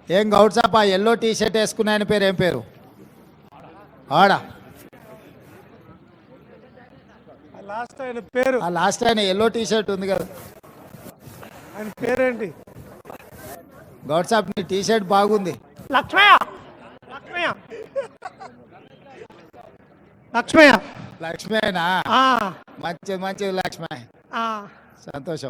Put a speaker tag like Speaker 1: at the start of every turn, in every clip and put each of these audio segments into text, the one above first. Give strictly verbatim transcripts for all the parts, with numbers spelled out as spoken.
Speaker 1: ఏం గౌడ్ సాబ్, ఆ yellow T shirt వేసుకున్న ఆయన పేరు ఏం పేరు? ఆడా
Speaker 2: లాస్ట్ ఆయన పేరు
Speaker 1: ఆ లాస్ట్ ఆయన ఎల్లో టీ షర్ట్ ఉంది కదా,
Speaker 2: ఆయన పేరేంటి?
Speaker 1: గౌడ్ సాబ్ నీ టీ షర్ట్ బాగుంది.
Speaker 2: లక్ష్మయ్య లక్ష్మయ్య లక్ష్మయ్య
Speaker 1: లక్ష్మేనా?
Speaker 2: ఆ,
Speaker 1: మంచిది మంచిది లక్ష్మే,
Speaker 2: ఆ.
Speaker 1: సంతోషం.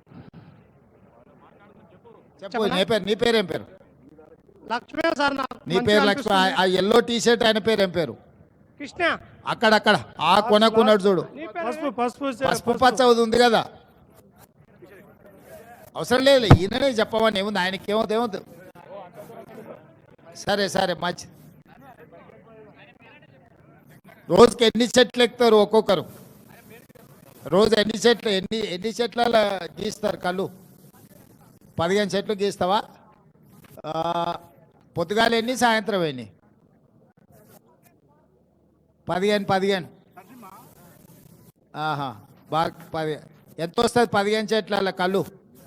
Speaker 1: చెప్పు నీ పేరు, నీ పేరు ఏం పేరు?
Speaker 2: లక్ష్మయ్య సార్ నాకు
Speaker 1: నీ
Speaker 2: మంచిగా
Speaker 1: పేరు లక్ష్మి.
Speaker 2: అనిపిస్తుంది.
Speaker 1: ఆ ఎల్లో టీ షర్ట్ ఆయన పేరు ఏం పేరు?
Speaker 2: కృష్ణ.
Speaker 1: అక్కడక్కడ ఆ కొనకున్నాడు చూడు,
Speaker 2: పసుపు పసుపు
Speaker 1: పసుపు పచ్చ ఉంది కదా. అవసరం లేదు, ఈయననే చెప్పమని ఏముంది, ఆయనకి ఏమవుతుంది ఏమవుతుంది. సరే సరే మంచి. రోజుకి ఎన్ని చెట్లు ఎక్కుతారు ఒక్కొక్కరు? రోజు ఎన్ని చెట్లు ఎన్ని ఎన్ని చెట్ల గీస్తారు కళ్ళు? పదిహేను చెట్లు గీస్తావా? ఆ, పొద్దుగాల ఎన్ని, సాయంత్రం ఎన్ని? పదిహేను పదిహేను ఆహా, బాగా పది. ఎంత వస్తుంది పదిహేను చెట్ల కళ్ళు?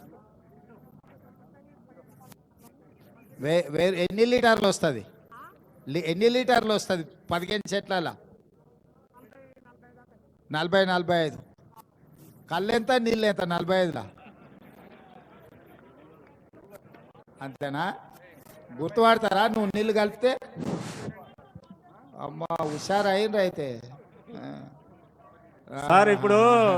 Speaker 1: వే వే ఎన్ని లీటర్లు వస్తుంది? ఎన్ని లీటర్లు వస్తుంది పదిహేను చెట్ల? నలభై నలభై ఐదు. కళ్ళు ఎంత, నీళ్ళు ఎంత? నలభై ఐదులా? అంతేనా? గుర్తుపడతారా నువ్వు నీళ్ళు కలిపితే? అమ్మ హుషారు అయిండ్రు అయితే.
Speaker 3: సార్ ఇప్పుడు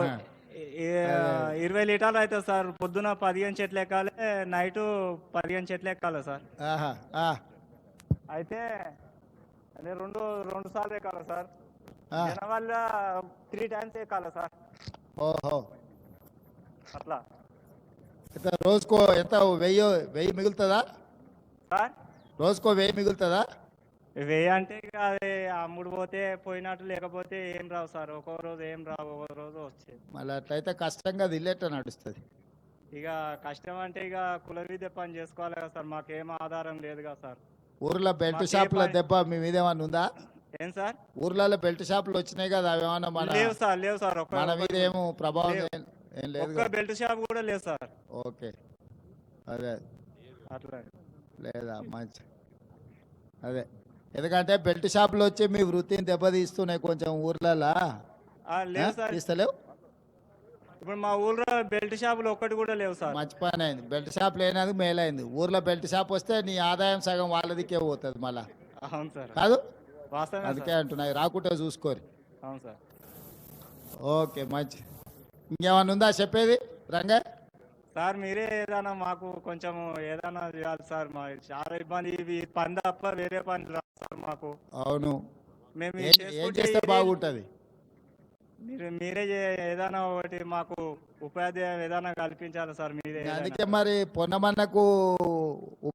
Speaker 3: ఇరవై లీటర్లు అవుతుంది సార్. పొద్దున పదిహేను చెట్లు ఎక్కాలి, నైట్ పదిహేను చెట్లు ఎక్కాలి సార్.
Speaker 1: ఆహా, ఆ,
Speaker 3: అయితే అదే రెండు రెండు సార్లు ఎక్కాలి సార్.
Speaker 1: ఆ.
Speaker 3: వల్ల త్రీ టైమ్స్ ఎక్కాలి సార్.
Speaker 1: ఓహో,
Speaker 3: అట్లా
Speaker 1: ఎంత రోజుకో ఎంత? వెయ్యి వెయ్యి మిగులుతుందా?
Speaker 3: సార్
Speaker 1: రోజుకో వెయ్యి మిగులుతుందా?
Speaker 3: వెయ్యి అంటే ఇక అది అమ్ముడు పోతే పోయినట్టు, లేకపోతే ఏం రావు సార్. ఒక్కో రోజు ఏం రావు, ఒక్కో రోజు వచ్చేది.
Speaker 1: మళ్ళీ అట్లయితే కష్టంగా అది ఇల్లేట నడుస్తుంది.
Speaker 3: ఇక కష్టం అంటే ఇక కుల విద్య పని చేసుకోవాలి కదా సార్. మాకేం ఆధారం లేదు కదా సార్.
Speaker 1: ఊర్లో బెల్ట్
Speaker 3: మాకే
Speaker 1: షాపుల
Speaker 3: పని-
Speaker 1: దెబ్బ మీ మీద ఏమన్నా ఉందా?
Speaker 3: ఏం సార్?
Speaker 1: ఊర్లలో బెల్ట్ షాపులు వచ్చినాయి కదా, అవి ఏమన్నా మన
Speaker 3: లేవు సార్, లేవు సార్. ఒక్క
Speaker 1: మన మీద ఏమో ప్రభావం
Speaker 3: లేవు.
Speaker 1: ఏం- ఏం లేదు
Speaker 3: ఒక్క
Speaker 1: కదా?
Speaker 3: బెల్ట్ షాప్ కూడా లేదు సార్.
Speaker 1: ఓకే, అదే
Speaker 3: అట్లా
Speaker 1: లేదా మంచి. అదే, ఎందుకంటే బెల్ట్ షాపులు వచ్చి మీ వృత్తిని దెబ్బతీస్తున్నాయి కొంచెం ఊర్లలో.
Speaker 3: ఆ, లేవు సార్.
Speaker 1: తీస్తలేవు?
Speaker 3: ఇప్పుడు మా ఊళ్ళో బెల్ట్ షాపులు ఒక్కటి కూడా లేవు సార్.
Speaker 1: మంచి పని అయింది, బెల్ట్ షాప్ లేనందుకు మేలైంది. ఊర్లో బెల్ట్ షాప్ వస్తే నీ ఆదాయం సగం వాళ్ళదికే పోతుంది మళ్ళా,
Speaker 3: అవును సార్,
Speaker 1: కాదు?
Speaker 3: వాస్తవమే
Speaker 1: అందుకే
Speaker 3: సార్.
Speaker 1: అంటున్నాయి, రాకుంటే చూసుకోరు.
Speaker 3: అవును సార్.
Speaker 1: ఓకే మంచి. ఇంకేమన్నా ఉందా చెప్పేది రంగా?
Speaker 3: సార్ మీరే ఏదైనా మాకు కొంచెం ఏదైనా చేయాలి సార్. మా చాలా ఇబ్బంది. ఇవి పని తప్ప వేరే పని రాదు సార్ మాకు.
Speaker 1: అవును,
Speaker 3: మేము
Speaker 1: ఏం
Speaker 3: ఇది
Speaker 1: ఏం
Speaker 3: చేసుకుంటే
Speaker 1: చేస్తే
Speaker 3: ఇది-
Speaker 1: బాగుంటుంది?
Speaker 3: మీరు మీరే చే- ఏదైనా ఒకటి మాకు ఉపాధ్యాయం ఏదైనా కల్పించాలి సార్. మీరే ఏదైనా.
Speaker 1: అందుకే మరి పొన్నమన్నకు